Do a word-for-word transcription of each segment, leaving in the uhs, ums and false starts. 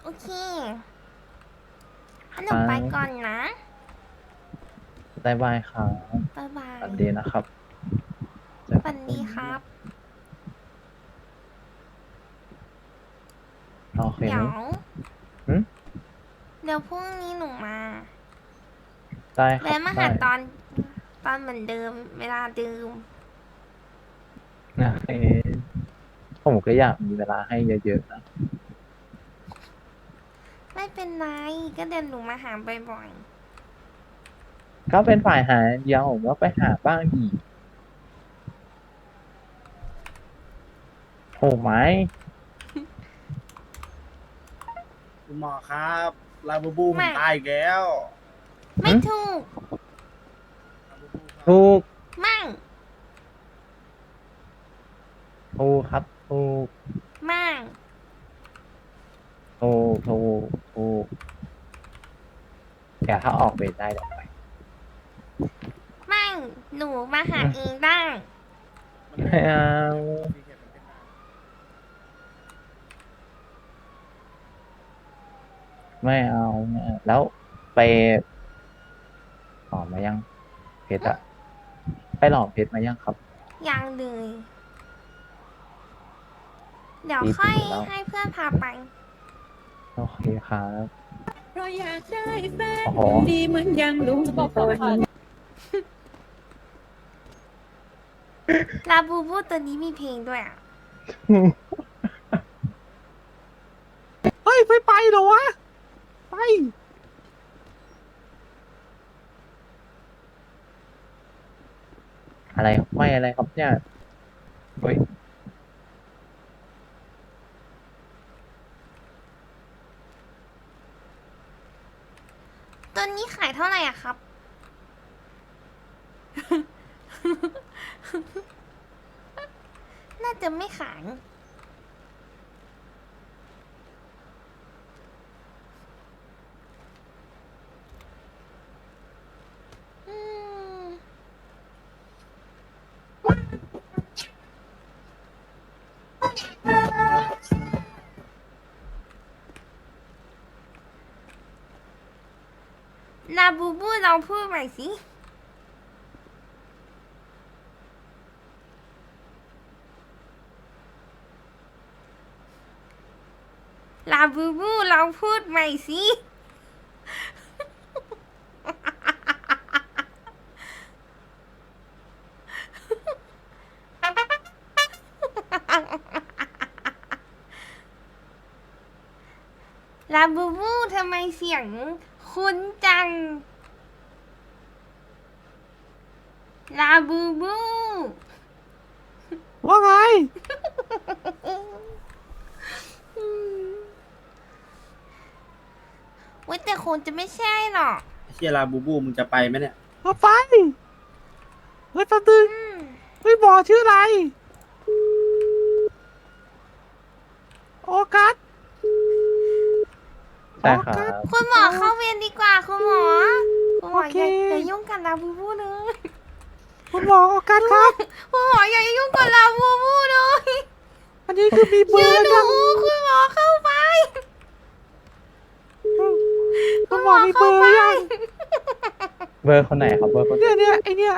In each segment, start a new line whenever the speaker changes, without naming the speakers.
โอเคงั้นหนูไปก่อนนะ
บายบายครับ
บ๊ายบา
สวั
ย
สดีนะครับเจอ
สวัส
กันพรุ่งนี้
ดีครับ
โอเคไหม
เดี๋ยว
หืม
เดี๋ยวพรุ่งนี้หนูมา
ได้ครับ
แวะมาหา
ได้
ตอนตอนเหมือนเดิมเวลาเดิม
นะเอ๊ะผมก็อยากมีเวลาให้เยอะๆนะ
ไม่เป็นไรก็เดินหนูมาหาบ่อย
ก็เป็นฝ่ายหาเดียวผมก็ไปหาบ้างดีโอ้ไหม
คุณหมอครับลาบูบู
ๆไม่
ผมตายอีกแล้ว
ไม่ถูก
ลาบูบูครับ
ถูก
ไม่
ถูกครับถูก
ไม่
ถูกถูกถูกเดี๋ยวถ้าออกเวรได้เดี๋ยวไป
ไม่หนูมาหาเองได้
มัน
ไม่เอา
ซีเคทมันเป็นได้
ไม่เอาไม่เอาแล้วไปหลอมมายังเพชรอะไปหลอมเพชรมายังครับ
ยังเลยเดี๋ยว
ตี
ค่อย
ถึงแล้ว
ให้เพื่อนพาไป
โอเคครับ
เพราะอยากได้แฟน
โอ้โห
คนดีเหมือนอย่างลุงพล
ลาบูบูตัวนี้มีเพลงด้วยอ่ะ
เฮ้ยไม่ไปเหรอวะ ไป
อะไรไม่อะไรครับเนี่ยเฮ้ย
ตัวนี้ขายเท่าไหร่อะครับ น่าจะไม่ขายอืมลาบูบูลองพูดใหม่สิ ลาบูบูลองพูดใหม่สิ ลาบูบูทำไมเสียงคุ้นจัง ลาบูบู
ว่าไง
เว้ยแต่คงจะไม่ใช่หรอก
ไอ้เชียลาบูบูมึงจะไปไหมเนี่ย
เอาไป เฮ้ยแป๊บนึง
อืม
เฮ้ยหมอชื่ออะไร โอกัส
ใช่ครับ
คุณหมอเข้าเวรดีกว่าคุณหมอ คุณหมอ
โอเค
อย่าอย่ายุ่งกับลาบูบูเลย
คุณหมอโอกัสครับ
คุณหมออย่ายุ่งกับลาบูบูเลย
อันนี้คือมีเบอ
ชื่อ
ร์
ห
ยั
นู
ง
คุณหมอเข้าไป
คุณหมอมีเบอร์ยัง
เบอร์คนไหนครับเบอร์คนไหน
เนี่ยเนี่ยไอเนี่ย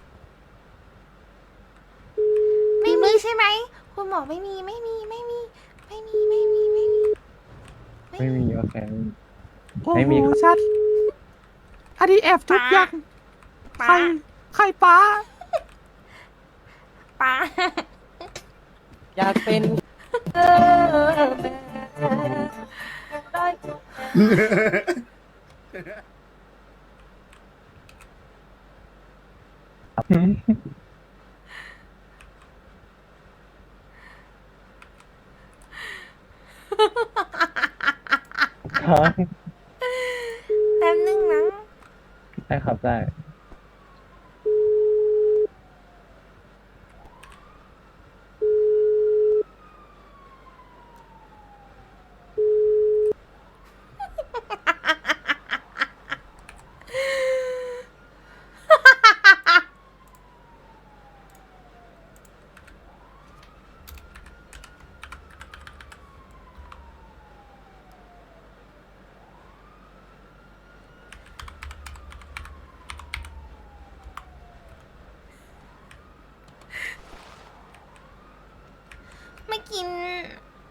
ไม่มีใช่ไหม คุณหมอไม่มีไม่มีไม่มี ไม่มีไม่มีไม่มี
ไม่มีโอเค
โอ้
ไม่
โห
มีครับ
ชัด อันนี้แอบทุกอ
ป๊า
ย่างใคร
ป๊า
ใครป้า
ป๊า
อยากเป็น
ครับ
แป๊บนึงนะ
ได้ครับได้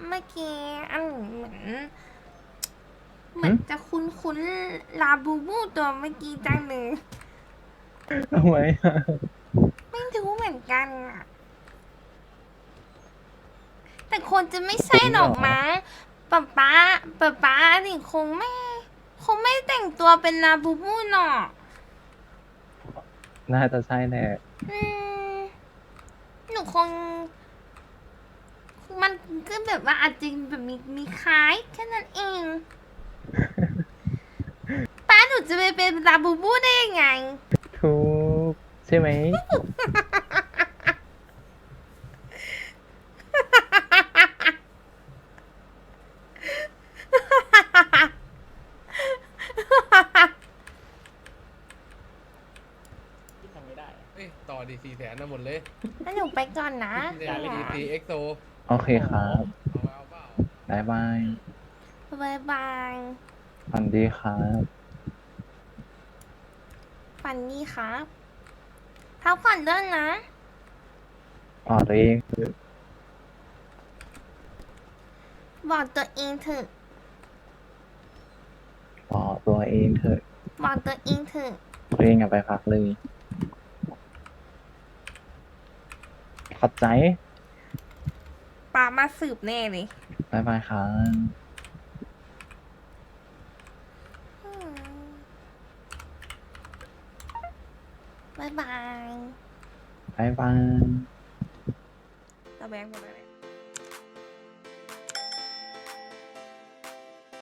เมื่อกี้อันเหมือนเหมือนจะคุ้นคุ้นๆลาบูบูตัวเมื่อกี้จังเลย
ทำไมอะ
ไม่รู้เหมือนกันอะแต่คนจะไม่ใช่หรอกมั้งป๊าป๊าป๊าป๊าดิคงไม่ คงไม่แต่งตัวเป็นลาบูบูหรอก
น่าจะใช่แน่
อืมหนูคง มันก็แบบว่าอาจจะแบบมีมีคล้ายแค่นั้นเอง ป้าหนูจะไปเป็นลาบูบูได้ยังไง
ถูกใช่ไหม ที่ทำไม่ได้
เอ้ยต่อดีสี่แสนนะหมดเลย
แล้วหนูไปก่อนนะ
สี่สี่เอ็กโซ
โอเคครับ
เอาเอาเปล่า
บายบาย
บายบาย
ฝันดีครับ
ฝันดีครับพักผ่อนด้วยนะ
อ๋อตัวเองคือ
บอกตัวเองเถอะ
อ๋อตัวเองเถอะ
บอกตัวเองเถอะ
ตัวเองอย่าไปพักเลย ขอบใจ
ป้ามาสืบแน่เลย
บายบายครับ
อืมบายบาย
บายบาย
ตะแบงหมดเลย